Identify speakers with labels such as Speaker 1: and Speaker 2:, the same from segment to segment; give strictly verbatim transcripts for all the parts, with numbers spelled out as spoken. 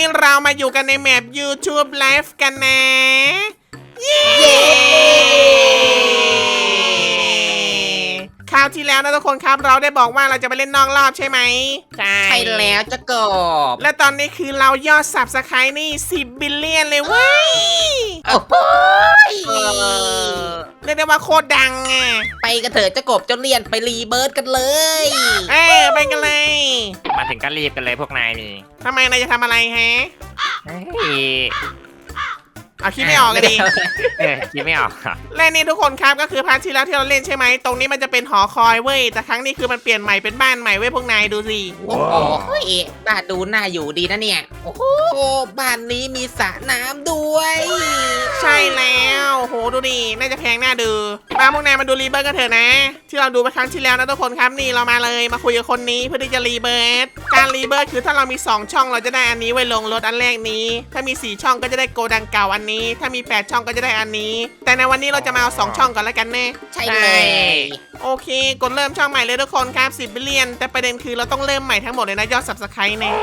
Speaker 1: เรามาอยู่กันในแมป YouTube Live กันนะเย้คราวที่แล้วนะทุกคนครับเราได้บอกว่าเราจะไปเล่นนอกรอบใช่ไหม
Speaker 2: ใช่
Speaker 3: ใช่แล้วจะกบ
Speaker 1: และตอนนี้คือเรายอด Subscribe นี่สิบบิลเลียนเลยเว้ย
Speaker 3: โอ้โห
Speaker 1: เรียกได้ว่าโคตรดังอ่ะ
Speaker 3: ไปกันเถอะจะกบจะเรียนไปรีเบิร์ดกันเลย
Speaker 1: เออไปกันเลย
Speaker 2: มาถึงก็รีบกันเลยพวกนายนี่
Speaker 1: ทำไมนายจะทำอะไรฮะ
Speaker 2: เฮ้ย
Speaker 1: เอาคิดไม่ออกเลยดิ
Speaker 2: เออคิดไม่ออก
Speaker 1: และนี่ทุกคนครับก็คือพาร์ทที่แล้วที่เราเล่นใช่ไหมตรงนี้มันจะเป็นหอคอยเว้ยแต่ครั้งนี้คือมันเปลี่ยนใหม่เป็นบ้านใหม่เว้ยพวกนายดูสิ
Speaker 3: โอ้โหบ้านดูน่าอยู่ดีนะเนี่ยโอ้โหบ้านนี้มีสระน้ำด้วย
Speaker 1: ใช่แล้วโหดูดิน่าจะแพงน่าดูมาพวกนายมาดูรีเบิร์ตกันเถอะนะ ที่เราดูไปครั้งที่แล้วนะทุกคนครับนี่เรามาเลยมาคุยกับคนนี้เพื่อที่จะรีเบิร์ตการรีเบิร์ตคือถ้าเรามีสองช่องเราจะได้อันนี้ไว้ลงรถอันแรกนี้ถ้ามีสี่ช่องก็จะได้โกดังเก่าอันนี้ถ้ามีแปดช่องก็จะได้อันนี้แต่ในวันนี้เราจะมาเอาสองช่องก่อนแล้วกันแน่
Speaker 3: ใช่เลย
Speaker 1: โอเคกดเริ่มช่องใหม่เลยทุกคนครับสิบบิลเลียนแต่ประเด็นคือเราต้องเริ่มใหม่ทั้งหมดเลยนะยอด Subscribe เนี่ย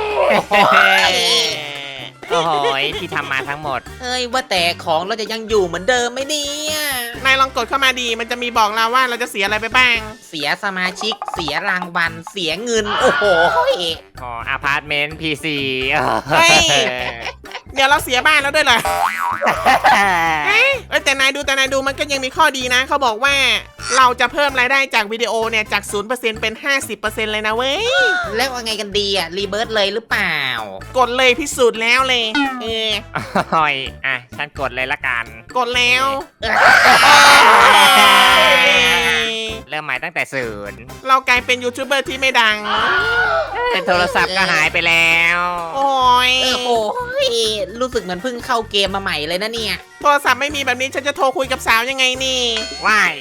Speaker 2: โอ้โหที่ทำมาทั้งหมด
Speaker 3: เอ้ยว่าแต่ของเราจะยังอยู่เหมือนเดิมไหมเนี่ย
Speaker 1: นายลองกดเข้ามาดีมันจะมีบอกเราว่าเราจะเสียอะไรไปบ้าง
Speaker 3: เสียสมาชิกเสียรางวัลเสียเงินโอ้โห
Speaker 2: อ๋ออพาร์ตเมนต์พีซี
Speaker 1: เฮ้ย เดี๋ยวเราเสียบ้านแล้วด้วยเหรอเอ้ยแต่นายดูแต่นายดูมันก็ยังมีข้อดีนะเขาบอกว่าเราจะเพิ่มรายได้จากวิดีโอเนี่ยจาก ศูนย์เปอร์เซ็นต์ เป็น ห้าสิบเปอร์เซ็นต์ เลยนะเว้ย
Speaker 3: แล้วว่าไงกันดีอะรีเบิร์ดเลยหรือเปล่า
Speaker 1: กดเลยพิสูจน์แล้วเลยเออ
Speaker 2: โอ้ยอ่ะฉันกดเลยละกัน
Speaker 1: กดแล้ว
Speaker 2: เริ่มใหม่ตั้งแต่ศูนย์
Speaker 1: เรากลายเป็นยูทูบเบอร์ที่ไม่ดัง
Speaker 2: โทรศัพท์ก็หายไปแล้ว
Speaker 1: โอ้ย
Speaker 3: โอ้โหรู้สึกเหมือนเพิ่งเข้าเกมมาใหม่เลยนะเนี่ย
Speaker 1: โทรศัพท์ไม่มีแบบนี้ฉันจะโทรคุยกับสาวยังไงนี่
Speaker 2: ว่าย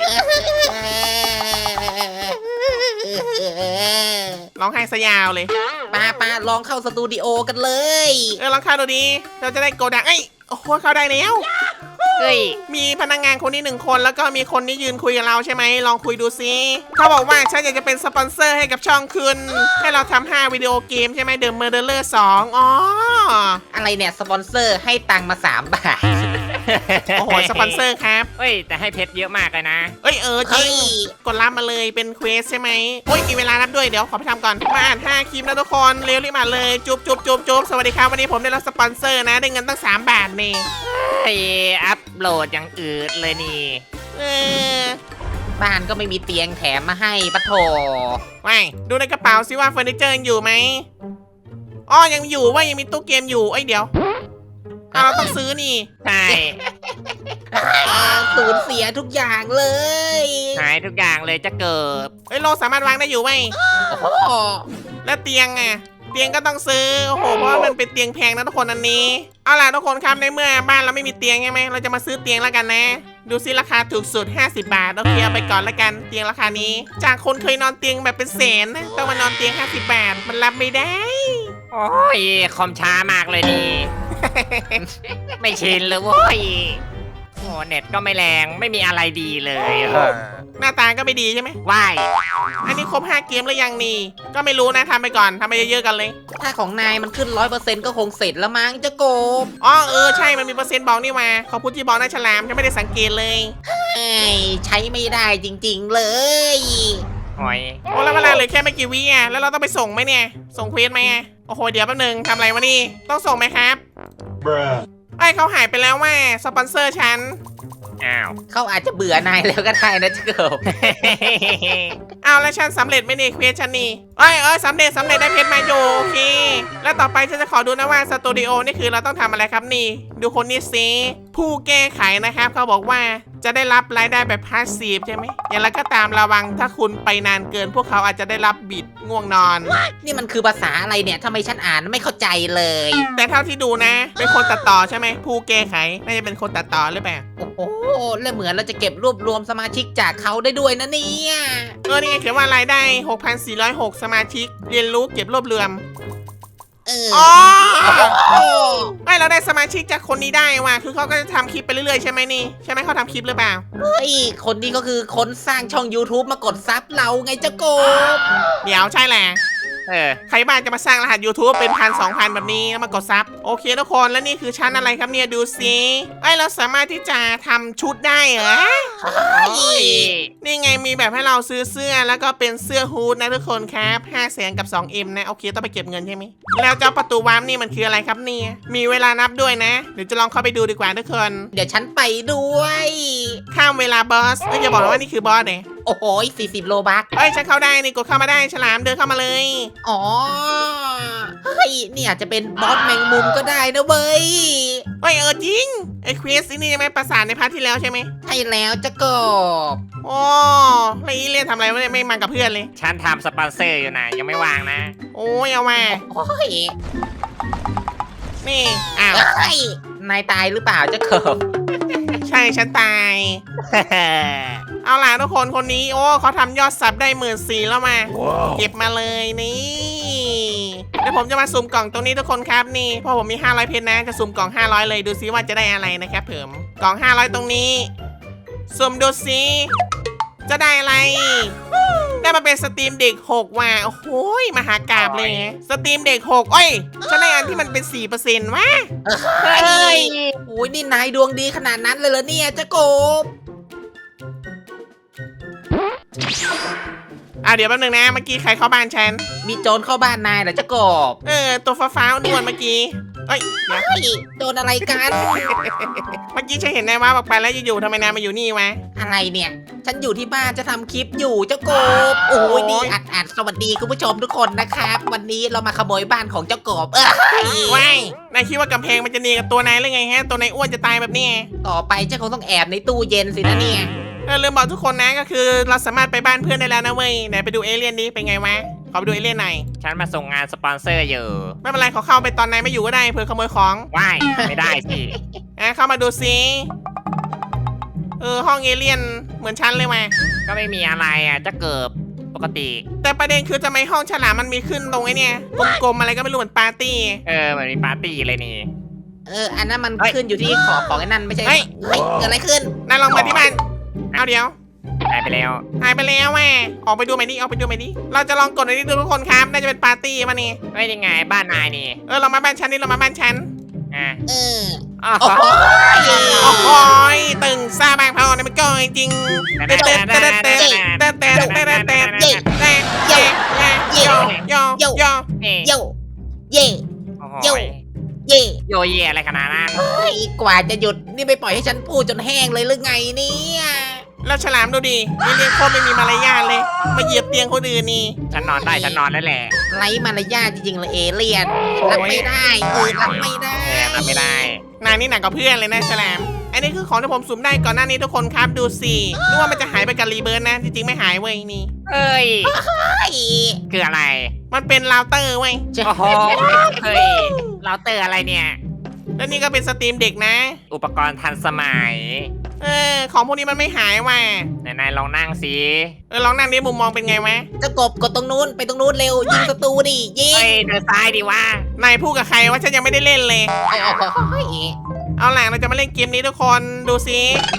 Speaker 1: ร้องไห้ซะยาวเลย
Speaker 3: ป้าป้าลองเข้าสตูดิโอกันเลย
Speaker 1: เออลองเข้าดูดิเราจะได้โกดังเอ้ยโอ้โหเข้าได้แล้ว
Speaker 2: เฮ้ย
Speaker 1: มีพนักงานคนนี้หนึ่งคนแล้วก็มีคนนี้ยืนคุยกับเราใช่ไหมลองคุยดูซิเขาบอกว่าฉันอยากจะเป็นสปอนเซอร์ให้กับช่องคุณให้เราทำห้าวิดีโอเกมใช่ไหมเดอะเมอร์เดอร์สองอ๋อ
Speaker 3: อะไรเนี่ยสปอนเซอร์ให้ตังค์มาสามบาท
Speaker 1: โอ้โหสปอนเซอร์ครับ
Speaker 2: เฮ้ยแต่ให้เพชรเยอะมากเลยนะ
Speaker 1: เอ้ยเออจริ
Speaker 3: เฮ้
Speaker 1: ง
Speaker 3: ย
Speaker 1: กดรับมาเลยเป็นเควสใช่ไหมโอ้ยมีเวลารับด้วยเดี๋ยวขอไปทำก่อนมาอ่านห้าคลิปนะทุกคนเร็วรีบมาเลยจุ๊บจุ๊บจุ๊บจุ๊บสวัสดีครับวันนี้ผมได้รับสปอนเซอร์นะได้เงินตั้งสามบาทนี่
Speaker 2: เฮ้ยอัพโหลดอย่างอืดเลยนี่
Speaker 1: เออ
Speaker 3: บ้านก็ไม่มีเตียงแถมมาให้ปะโถ
Speaker 1: ไม่ดูในกระเป๋าซิว่าเฟอร์นิเจอร์ยังอยู่ไหมอ๋อยังอยู่ว่ายังมีตู้เกมอยู่เอ้ยเดี๋ยวอ่ะเราต้องซื้อนี่
Speaker 2: ใช่
Speaker 3: สูญเสียทุกอย่างเลย
Speaker 2: หายทุกอย่างเลยจะเกิด
Speaker 1: เอ้ยโลสามารถวางได้อยู่ไหม
Speaker 3: โอ้โห
Speaker 1: แล้วเตียงอ่ะเตียงก็ต้องซื้อโอ้โหเพราะว่ามันเป็นเตียงแพงนะทุกคนอันนี้เอาล่ะทุกคนครับในเมื่อบ้านเราไม่มีเตียงใช่ไหมเราจะมาซื้อเตียงแล้วกันนะ ดูซิราคาถูกสุดห้าสิบบาทโอเคเอาไปก่อนแล้วกันเตียงราคานี้ จากคนเคยนอนเตียงแบบเป็นแสนนะต้องมานอนเตียงห้าสิบบาทมันรับไม่ได้
Speaker 2: โอ้ยคอมช้ามากเลยนี่ ไม่ชินเลยเว้ยโอ้เน็ตก็ไม่แรงไม่มีอะไรดีเลยเออ
Speaker 1: หน้าตาก็ไม่ดีใช่ไหม
Speaker 2: ว่าย
Speaker 1: อันนี้ครบห้าเกมหรือยังนี่ก็ไม่รู้นะทำไปก่อนทำไปเยอะๆกันเลย
Speaker 3: ถ้าของนายมันขึ้นร้อยเปอร์เซ็นต์ก็คงเสร็จแล้วมั้งจะโกบ
Speaker 1: อ๋อเออใช่มันมีเปอร์เซ็นต์บอกนี่มาขอบคุณที่บอกนะฉลามฉันไม่ได้สังเกตเลย
Speaker 3: เอ้ยใช้ไม่ได้จริงๆเลย
Speaker 2: โอ้ย
Speaker 1: โอ้แล้วเวลาเหลือแค่ไม่กี่วิอ่ะแล้วเราต้องไปส่งไหมเนี่ยส่งเควสไหมอ่ะโอ้โหเดี๋ยวแป๊บนึงทำอะไรวะนี่ต้องส่งไหมครับ
Speaker 4: Bruh.
Speaker 1: ไอ้ยเขาหายไปแล้วว่าสปอนเซอร์ฉัน
Speaker 2: อ้าว
Speaker 3: เขาอาจจะเบื่อนายแล้วก็ได้นะจะโกบ
Speaker 1: เอาแล้วฉันสำเร็จไหมเนี่ยเควสฉันนี่เอ้ยเอ้ยสำเร็จสำเร็จได้เพชรมาอยู่โอเคแล้วต่อไปฉันจะขอดูนะว่าสตูดิโอนี่คือเราต้องทำอะไรครับนี่ ดูคนนี้สิผู้แก้ไขนะครับเขาบอกว่าจะได้รับรายได้แบบพาสซีฟใช่ไหมอย่างไรก็ตามระวังถ้าคุณไปนานเกิน พวกเขาอาจจะได้รับบิดง่วงนอน
Speaker 3: นี่มันคือภาษาอะไรเนี่ยทำไมฉันอ่านไม่เข้าใจเลย
Speaker 1: แต่เท่าที่ดูนะเป็นคนตัดต่อใช่ไหมผู้แก้ไขน่าจะเป็นคนตัดต่อหรือเปล่า
Speaker 3: โอ้โหและเหมือนเราจะเก็บรวบรวมสมาชิกจากเขาได้ด้วยนะเนี่ย
Speaker 1: เออนี่ไงเขียนว่ารายได้ หกพันสี่ร้อยหก สมาชิก เรียนรู้เก็บรวบรวม
Speaker 3: เออ
Speaker 1: อ๋อ
Speaker 3: โอ้
Speaker 1: ไม่เราได้สมาชิกจากคนนี้ได้ว่ะคือเขาก็จะทำคลิปไปเรื่อยๆใช่ไหมนี่ใช่ไหมเขาทำคลิปหรือเปล่า
Speaker 3: เฮ้ยคนนี้ก็คือคนสร้างช่อง YouTube มากดซับเราไงเจ้าโกบ
Speaker 1: เดี๋ยวใช่แหละ
Speaker 2: เเออ
Speaker 1: ใครบ้างจะมาสร้างรหัส YouTube เป็นพันสองพันแบบนี้แล้วมากดซับโอเคทุกคนแล้วนี่คือชั้นอะไรครับเนี่ยดูสิไอยเราสามารถที่จะทำชุดได้เหรอ
Speaker 2: โอ้ย
Speaker 1: นี่ไงมีแบบให้เราซื้อเสื้อแล้วก็เป็นเสื้อฮูดนะทุกคนครับห้าแสนกับ สองเอ็ม นะโอเคต้องไปเก็บเงินใช่ไหมแล้วเจ้าประตูวาร์ปนี่มันคืออะไรครับเนี่ยมีเวลานับด้วยนะเดี๋ยวจะลองเข้าไปดูดีกว่าทุกคน
Speaker 3: เดี๋ยวฉันไปด้วย
Speaker 1: ข้ามเวลาบอสเอ้ยอย่าบอกนะว่านี่คือบอสเนี่ย
Speaker 3: โอ้โหสี่สิบโลบัก
Speaker 1: เอ้ยฉันเข้าได้นี่กดเข้ามาได้ฉลามเดินเข้ามาเลย
Speaker 3: อ๋อ เฮ้ยนี่อาจจะเป็นบอสแมงมุมก็ได้นะเว้ย
Speaker 1: เอ้ยเออจริงไอ้ควีสนี่ยังไม่ประสานในพาร์ทที่แล้วใช่ไหม
Speaker 3: ใช่แล้วจะกบ
Speaker 1: โอ้แล้วอีเลียนทำอะไรวะเนี่ยไม่มากับเพื่อนเลย
Speaker 2: ฉันทำสปอนเซอร์อยู่นะยังไม่วางนะ
Speaker 1: โอ้ยเอามา
Speaker 3: โอ้ย
Speaker 1: นี่อ้าว
Speaker 3: เฮ้ยนายตายหรือเปล่าจะกบ
Speaker 1: ใช่ฉันตาย เอาล่ะทุกคนคนนี้โอ้เขาทำยอดซับได้หมื่นสี่แล้วมาเก็บมาเลยนี่เดี๋ยวผมจะมาสุ่มกล่องตรงนี้ทุกคนครับนี่เพราะผมมีห้าร้อยเพชรนะจะสุ่มกล่องห้าร้อยเลยดูซิว่าจะได้อะไรนะครับผมกล่องห้าร้อยตรงนี้สุ่มดูซิจะได้อะไร ได้มาเป็นสตรีมเด็กหกว่ะโอ้โหมหากาบเลยสตรีมเด็กหกเอ้ยฉันได้อันที่มันเป็น สี่เปอร์เซ็นต์ วะ
Speaker 3: เฮ้ยโอ้ยนี่นายดวงดีขนาดนั้นเลยเหรอเนี่ยจะกบ
Speaker 1: อ่ะเดี๋ยวแป๊บนึงนะเมื่อกี้ใครเข้าบ้านฉัน
Speaker 3: มีโจรเข้าบ้านนายเหรอจะกบ
Speaker 1: เออตัวฟ้าๆนวลเมื่อกี้เอ้ยเดี๋ยว
Speaker 3: เฮ้ยโดนอะไรกัน
Speaker 1: เมื่อกี้ฉันเห็นนายว่าบอกไปแล้วอยู่ๆทำไมนายมาอยู่นี่วะ
Speaker 3: อะไรเนี่ย ฉันอยู่ที่บ้านจะทำคลิปอยู่เจ้ากบ โอ้ยนี่อัดอัดสวัสดีคุณผู้ชมทุกคนนะครับ วันนี้เรามาขโมยบ้านของเจ้ากบเอ้ย
Speaker 1: ว้ายนายคิดว่ากำแพงมันจะเนียนกับตัวนายหรือไงฮะตัวนายอ้วนจะตายแบบนี้
Speaker 3: ต่อไปเจ้าคงต้องแอบในตู้เย็นสินะเนี่ย
Speaker 1: เออลืมบอกทุกคนนะก็คือเราสามารถไปบ้านเพื่อนได้แล้วนะเว้ยไหนไปดูเอเลี่ยนนี้เป็นไงวะขอไปดูเอเลี่ยนหน่อย
Speaker 2: ฉันมาส่งงานสปอนเซอร์อยู่
Speaker 1: ไม่เป็นไรขอเข้าไปตอนนายไม่อยู่ก็ได้เผื่อขโมยของ
Speaker 2: ว่ายไม่ได้สิ
Speaker 1: อ่ะเข้ามาดูซิเออห้องเอเลี่ยนเหมือนฉันเลยว่ะ
Speaker 2: ก็ไม่มีอะไรอ่ะจะเกิบปกติ
Speaker 1: แต่ประเด็นคือทำไมห้องฉลามมันมีขึ้นตรงไอ้เนี่ยกลมๆอะไรก็ไม่รู้เหมือนปาร์ตี้
Speaker 2: เออเหมือนมีปาร์ตี้เลยนี่
Speaker 3: เออ อันนั้นมัน
Speaker 2: เฮ้ย
Speaker 3: ขึ้นอยู่ที่ขอบของไอ้นั่นไม่ใช่
Speaker 1: เฮ้ย
Speaker 3: เฮ้ยเกิดอะไรขึ้น
Speaker 1: นายลองมาที่บ้านเอาเดี๋ยว
Speaker 2: หายไปแล้ว
Speaker 1: หายไปแล้วแม่ออกไปดูใหม่ดิออกไปดูใหม่ดิเราจะลองกดในนี้ดูทุกคนครับน่าจะเป็นปาร์ตี้มานี่
Speaker 2: ไม่ยังไงบ้านนายนี่
Speaker 1: เออเรามาบ้านฉันนี่เรามาบ้านฉัน
Speaker 2: อ่ะ
Speaker 3: เออ
Speaker 2: อ๋อ
Speaker 3: โอ้โห
Speaker 1: โอ้โหยตึงซาบางพอเนี่ยมันก็จริงเต้เต้เต้เต้เต้เต้เต้เต้เต้เต้เต้เต้โยโยโยโย
Speaker 2: เอ๊ะ
Speaker 3: โยเย่
Speaker 2: โอ้โห
Speaker 3: โย่ เย่
Speaker 2: โยเย่อะไรขนาดนั้น
Speaker 3: เฮ้ยกว่าจะหยุดนี่ไม่ปล่อยให้ฉันพูดจนแห้งเลยหรือไงเนี่ย
Speaker 1: แล้วฉลามดูดินี่เรียกโคตรไม่มีมารยาทเลยมาเหยียบเตียงคนอื่นนี่
Speaker 2: ฉันนอนได้ฉันนอนแล้วแหละ
Speaker 3: ไร้มารยาทจริงๆเลยเอเลี่ยนรับไม่ได้เออรับไม่ได้
Speaker 2: เออทำไม่ได้
Speaker 1: นายนี่หนักกว่าเพื่อนเลยนะฉลามอันนี้คือของที่ผมสุ่มได้ก่อนหน้านี้ทุกคนครับดูสินึกว่ามันจะหายไปกับรีเบิร์นนะจริงๆไม่หายเว้ยนี่
Speaker 2: เอ้ย
Speaker 3: เฮ้ย
Speaker 2: คืออะไร
Speaker 1: มันเป็นราวเตอร์เว้ย
Speaker 2: โอ้โหเฮ้ยเราเตอร์อะไรเนี่ย
Speaker 1: แล้วนี่ก็เป็นสตรีมเด็กนะ
Speaker 2: อุปกรณ์ทันสมัย
Speaker 1: เออของพวกนี้มันไม่หายว่ะ
Speaker 2: ไหนายลองนั่งสิ
Speaker 1: เออลองนั่งดิมุมมองเป็นไงวะ
Speaker 3: จะกบกดตรงนู้นไปตรงนู้นเร็วยิงศัตรูดิยิง
Speaker 2: เฮ้ยเดินซ้ายดีวะ
Speaker 1: นายพูดกับใครว่าฉันยังไม่ได้เล่นเลย
Speaker 3: โอ้โห
Speaker 1: เอาล่ะเราจะมาเล่นเกมนี้ทุกคนดูสิ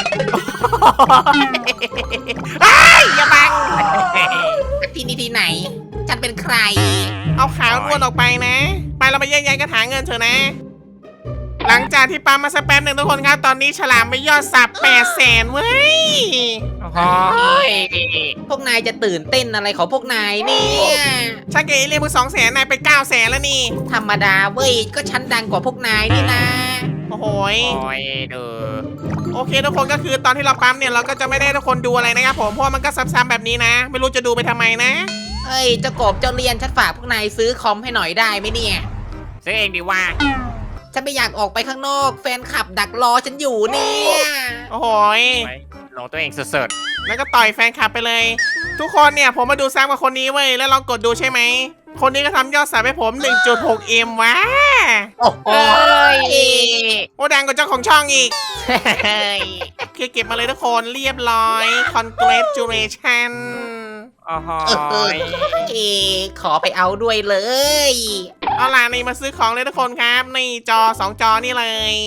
Speaker 1: ไอ้ยอย่าบัง
Speaker 3: ที่นี่ที่ไหน ฉันเป็นใคร
Speaker 1: เอาขาอ้วนออกไปนะ ไปเราไปแยกย้ายกระถางเงินเถอะนะ หลังจากที่ปั๊มมาสักแป๊บหนึ่งทุกคนครับ ตอนนี้ฉลามไปยอดสับแปดแสนเว้ย
Speaker 2: โอ้โห
Speaker 3: พวกนายจะตื่นเต้นอะไรของพวกนายเนี่ย
Speaker 1: ชักเกเรียกมึงสองแสนนายไปเก้าแสนแล้วนี่
Speaker 3: ธรรมดาเว้ยก็ฉันดังกว่าพวกนายนี่นะ
Speaker 1: โอ้โหย
Speaker 2: โอ้ยดู
Speaker 1: โอเคทุกคนก็คือตอนที่เราปั๊มเนี่ยเราก็จะไม่ได้ให้ทุกคนดูอะไรนะครับผมเพราะว่ามันก็ซ้ำๆแบบนี้นะ ไม่รู้จะดูไปทำไมนะ
Speaker 3: เฮ้ยเจ้ากบเจ้าเรียนฉันฝากพวกนายซื้อคอมให้หน่อยได้ไหมเนี่ย
Speaker 2: ซื้อเองดีว่า
Speaker 3: ฉันไม่อยากออกไปข้างนอกแฟนคลับดักรอฉันอยู่เนี่ย
Speaker 1: โอ้โหย
Speaker 2: ลงตัวเองสุด
Speaker 1: แล้วก็ต่อยแฟนคลับไปเลย ทุกคนเนี่ยผมมาดูซ้ำกับคนนี้เว้ยแล้วลองกดดูใช่ไหมคนนี้ก็ทำยอดสับให้ผม หนึ่งจุดหกเอ็ม วะ
Speaker 3: โอ้โห
Speaker 2: ๆเอ้ย
Speaker 1: โอ้ดังกว่าเจ้าของช่องอีก
Speaker 2: เฮ้ย
Speaker 1: คือเก็บมาเลยทุกคนเรียบร้อย congratulation
Speaker 2: โอ้โห
Speaker 3: เออเอขอไปเอาด้วยเลย
Speaker 1: เอาล่ะนี่มาซื้อของเลยทุกคนครับนี่จอสองจอนี่เลย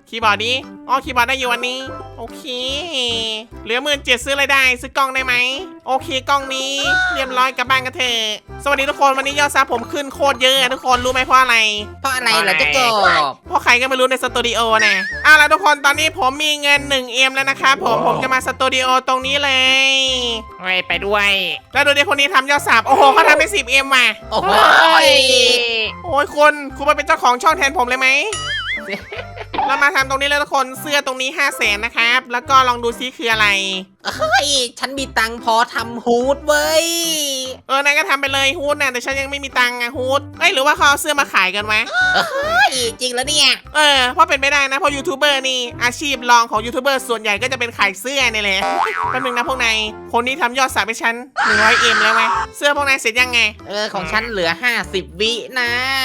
Speaker 1: คีย์บอร์ดดิอ๋อคีย์บอร์ดได้อยู่วันนี้โอเคเหลือหมื่นเจ็ดซื้ออะไรได้ซื้อกล้องได้ไหมโอเคกล้องนี้เรียบร้อยกลับบ้านกันเถอะสวัสดีทุกคนวันนี้ยอดซับผมขึ้นโคตรเยอะทุกคนรู้ไหมเพราะอะไร
Speaker 3: เพราะอะไรเหรอเจ้ากบ
Speaker 1: เพราะใครก็ไม่รู้ในสตูดิโอนะเอาล่ะทุกคนตอนนี้ผมมีเงิน หนึ่งเอ็ม แล้วนะครับผมผมจะมาสตูดิโอตรงนี้เลย
Speaker 2: ไปไปด้วย
Speaker 1: แล้วดูดิคนนี้ทำยอดซับโอ้โหเขาทำไป สิบเอ็ม ว่ะ
Speaker 3: โอ้โห
Speaker 1: โอ้ยคุณคุณมาเป็นเจ้าของช่องแทนผมเลยไหม เรามาทำตรงนี้เลยทุกคนเสื้อตรงนี้ห้าแสนนะครับแล้วก็ลองดูซิคืออะไร
Speaker 3: เฮ้ยฉันมีตังค์พอทำฮูดเว้ย
Speaker 1: เออนายก็ทำไปเลยฮูดนะแต่ฉันยังไม่มีตังค์อะฮูดเอ้ยหรือว่าเขาเอาเสื้อมาขายกันวะ
Speaker 3: เฮ้ยจริงแล้วเนี่ย
Speaker 1: เออเพราะเป็นไม่ได้นะเพราะยูทูบเบอร์นี่อาชีพรองของยูทูบเบอร์ส่วนใหญ่ก็จะเป็นขายเสื้อนี่แหละแป๊บนึงนะพวกนายคนนี้ทำยอดสับไปฉันหนึ่งร้อยเอ็มแล้วไหมเสื้อพวกนายเสร็จยังไง
Speaker 3: เออของฉันเหลือห้าสิบวินะ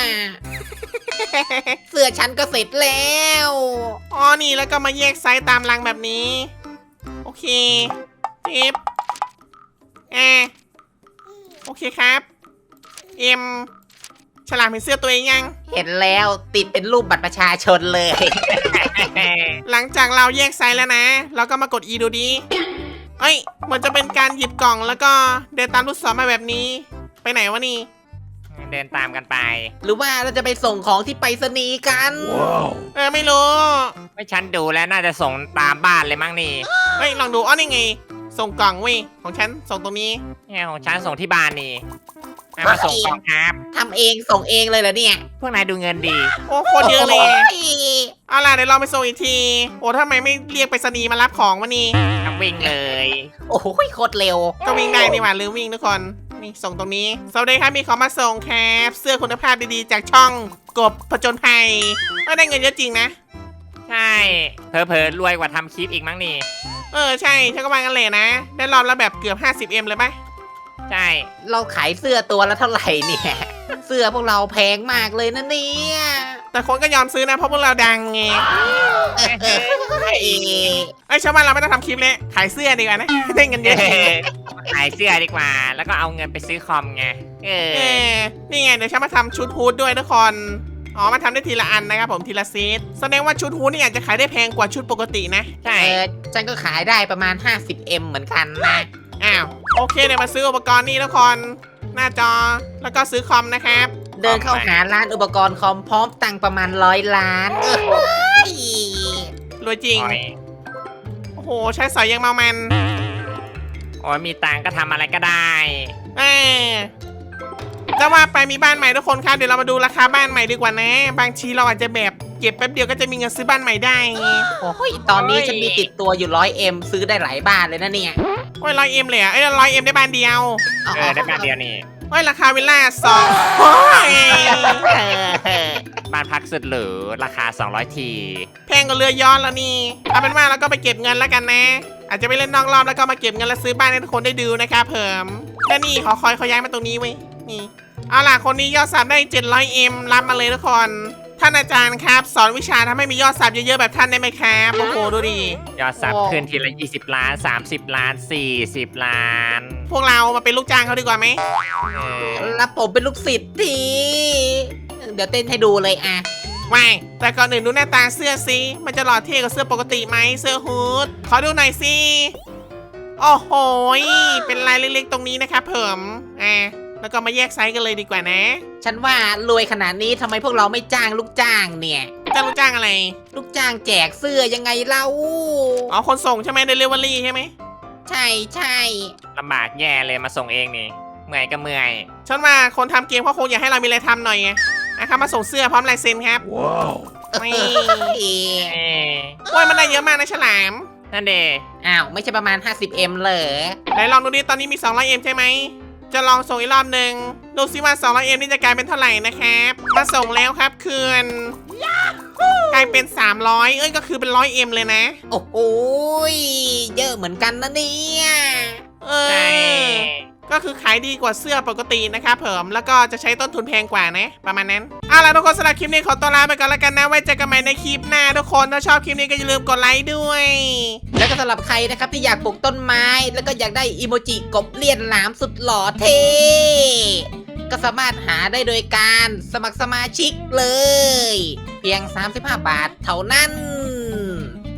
Speaker 3: เสื้อฉันก็เสร็จแล้ว
Speaker 1: อ๋อนี่แล้วก็มาแยกไซส์ตามรังแบบนี้โอเคเอฟแอโอเคครับเอ็มฉลามเห็นเสื้อตัวเองยัง
Speaker 3: เห็นแล้วติดเป็นรูปบัตรประชาชนเลย
Speaker 1: หลังจากเราแยกไซส์แล้วนะเราก็มากด E ดูดิเอ้ยเหมือนจะเป็นการหยิบกล่องแล้วก็เดินตามลูกศรมาแบบนี้ไปไหนวะนี่
Speaker 2: เดินตามกันไป
Speaker 3: หรือว่าเราจะไปส่งของที่ไปรษณีย์กัน
Speaker 1: เออไม่รู้
Speaker 2: ไม่ฉันดูแล้วน่าจะส่งตามบ้านเลยมั้งนี่
Speaker 1: เฮ้ยลองดูอ๋อนี่ไงส่งกล่องเว้ยของฉันส่งตรงนี้
Speaker 2: เนี่ยของฉันส่งที่บ้านนี่เอามาส่งกล่องครับ
Speaker 3: ทำเองส่งเองเลยเหรอเนี่ย
Speaker 2: พวกนายดูเงินดี
Speaker 1: โอ้โคตรเยอะเลย
Speaker 3: โ
Speaker 1: เอาล่ะเดี๋ยวเราไปส่งอีกทีโอ้ทำไมไม่เรียกไปรษณีย์มารับของวะนี่
Speaker 2: ทั้งวิ่งเลย
Speaker 3: อ้โหโคตรเร็ว
Speaker 1: ก็วิ่งได้นี่หว่าลืมวิ่งทุกคนนี่ส่งตรงนี้สวัสดีครับมีของมาส่งครับเสื้อคุณภาพดีๆจากช่องกบผจญภัยก็ได้เงินเยอะจริงนะ
Speaker 2: ใช่เพอเพอๆรวยกว่าทำคลิปอีกมั้งนี่
Speaker 1: เออใช่ฉันก็วางกันเลยนะ ได้รอบละแบบเกือบ ห้าสิบเอ็ม เลยปะ
Speaker 2: ใช่
Speaker 3: เราขายเสื้อตัวละเท่าไหร่เนี่ย เสื้อพวกเราแพงมากเลยนะเนี่ย
Speaker 1: แต่คนก็ยอมซื้อนะเพราะพวกเราดังไง
Speaker 3: เออเฮ้ย
Speaker 1: ไอ้ยชาวบ้านเราไม่ต้องทำคลิปเลยขายเสื้อดีกว่านะ ได้เงินเยอะ
Speaker 2: ขายเสื้อดีกว่า แล้วก็เอาเงินไปซื้อคอมไงเอ
Speaker 1: เอ
Speaker 2: อ
Speaker 1: อนี่ไงเดี๋ยวฉันมาทำชุดฮูดด้วยทุกคนอ๋อมาทำได้ทีละอันนะครับผมทีละเซตแสดงว่าชุดฮูดนี่อาจจะขายได้แพงกว่าชุดปกตินะ
Speaker 2: ใช่
Speaker 3: เออฉันก็ขายได้ประมาณ ห้าสิบเอ็ม เหมือนกันนะ
Speaker 1: อ้าวโอเคเดี๋ยวมาซื้ออุปกรณ์นี่ทุกคนหน้าจอแล้วก็ซื้อคอมนะครับ
Speaker 3: เดินเข้าหาร้านอุปกรณ์คอมพร้อมตังค์ประมาณร้อยล้านเออเฮ้ย
Speaker 1: รวยจริง
Speaker 2: โอ้ย
Speaker 1: โอ้โหใช้สอยยังเมามัน
Speaker 2: โอ้ยมีตังค์ก็ทำอะไรก็ได้
Speaker 1: เออจะว่าไปมีบ้านใหม่ทุกคนครับเดี๋ยวเรามาดูราคาบ้านใหม่ดีกว่านะ บางทีเราอาจจะแบบเก็บแป๊บเดียวก็จะมีเงินซื้อบ้านใหม่ได้ไง
Speaker 3: โอ้ยตอนนี้ฉันมีติดตัวอยู่ร้อยเอ็มซื้อได้หลายบ้านเลยนะเนี่ย
Speaker 1: โอ้ยร้อยเอ็มเลยอ่ะเอ้ยร้อยเอ็มได้บ้านเดียว
Speaker 2: เออได้บ้านเดียวนี่
Speaker 1: โอ้ยราคาวิลล่าสองโอ้ย
Speaker 3: เออ
Speaker 2: บ้านพักสุดหรูราคาสองร้อยที
Speaker 1: แพงกว่าเรือย้อนแล้วนี่เอาเป็นว่าเราก็ไปเก็บเงินแล้วกันนะ อาจจะไปเล่นนอกรอบแล้วก็มาเก็บเงินแล้วซื้อบ้านให้ทุกคนได้ดูนะครับเพิ่มและนี่ขอคอยเขาย้ายมาตรงนี้ไว้ยนี่เอาล่ะคนนี้ยอดซับได้ เจ็ดร้อยเอ็ม รับมาเลยทุกคนท่านอาจารย์ครับ สอนวิชาทำให้มียอดซับเยอะๆแบบท่านได้ไหมครับโอ้โหดูดิ
Speaker 2: ยอดซับขึ้นทีละยี่สิบล้านสามสิบล้านสี่สิบล้าน
Speaker 1: พวกเรามาเป็นลูกจ้างเขาดีกว่าไหม
Speaker 2: เออ
Speaker 3: แล้วผมเป็นลูกศิษย์ทีเดี๋ยวเต้นให้ดูเลยอ่ะ
Speaker 1: ไม่แต่ก่อนอื่นดูหน้าตาเสื้อสิมันจะหล่อเท่กว่าเสื้อปกติไหมเสื้อฮูดขอดูหน่อยสิโอ้โหเป็นลายเล็กๆตรงนี้นะครับเพิ่มอ่ะแล้วก็มาแยกไซส์กันเลยดีกว่านะ
Speaker 3: ฉันว่ารวยขนาดนี้ทำไมพวกเราไม่จ้างลูกจ้างเนี่ย
Speaker 1: จ้างลูกจ้างอะไร
Speaker 3: ลูกจ้างแจกเสื้อยังไงเล่า
Speaker 1: อ๋อคนส่งใช่ไหมเดลิเวอรี่ใช่ไหม
Speaker 3: ใช่ใช่
Speaker 2: ลำบากแย่เลยมาส่งเองนี่เมื่อยก็เมื่อย
Speaker 1: ฉันว่าคนทำเกมเขาคงอยากให้เรามีอะไรทำหน่อยไงนะครับมาส่งเสื้อพร้อมลายเซ็นครับนี่
Speaker 3: เอ้ย
Speaker 2: เออ
Speaker 1: โอ้ยมันได้เยอะมากนะฉลาม
Speaker 2: นั่นเด
Speaker 3: อ้าวไม่ใช่ประมาณ ห้าสิบเอ็ม เหรอ
Speaker 1: ไหนลองดูดิตอนนี้มี สองร้อยเอ็ม ใช่ไหมจะลองส่งอีกรอบหนึ่งดูซิว่า สองร้อยเอ็ม นี่จะกลายเป็นเท่าไหร่นะครับมาส่งแล้วครับคืนกลายเป็น สามร้อย เอ้ยก็คือเป็น หนึ่งร้อยเอ็ม เลยนะ
Speaker 3: โอ้โหยเยอะเหมือนกันนะเนี่ย
Speaker 1: เอ
Speaker 2: ใช่
Speaker 1: อ ก็คือขายดีกว่าเสื้อปกตินะครับเผิมแล้วก็จะใช้ต้นทุนแพงกว่านะ ประมาณนั้นเอาล่ะทุกคนสำหรับคลิปนี้ขอตัวลาไปก่อนแล้วกันนะไว้เจอกันใหม่ในคลิปหน้าทุกคนถ้าชอบคลิปนี้ก็อย่าลืมกดไลค์ด้วย
Speaker 3: แล้วก็สำหรับใครนะครับที่อยากปลูกต้นไม้ แล้วก็อยากได้อีโมจิกบเลียนหลามสุดหล่อเท่ก็สามารถหาได้โดยการสมัครสมาชิกเลย เพียง สามสิบห้า บาทเท่านั้น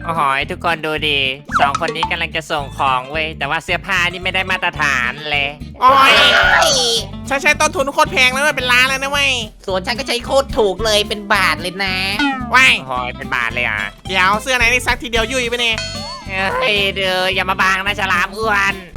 Speaker 2: โอ้โหทุกคนดูดิสองคนนี้กำลังจะส่งของเว้ยแต่ว่าเสื้อผ้านี่ไม่ได้มาตรฐานเลย
Speaker 1: โอ้ย
Speaker 3: เฮ้ย
Speaker 1: ฉันใช้ต้นทุนโคตรแพงแล้วเว้ยเป็นล้านแล้วนะเว้ย
Speaker 3: ส่วนฉันก็ใช้โคตรถูกเลยเป็นบาทเลยนะ
Speaker 1: ว้าย
Speaker 2: โอ้โหเป็นบาทเลยอ่ะ
Speaker 1: เดี๋ยวเสื้อไหนนี่ซักทีเดียวยุ่ยไปเนี่ย
Speaker 2: เฮ้ยเดี๋ยวอย่ามาบังนะฉลามอ้วน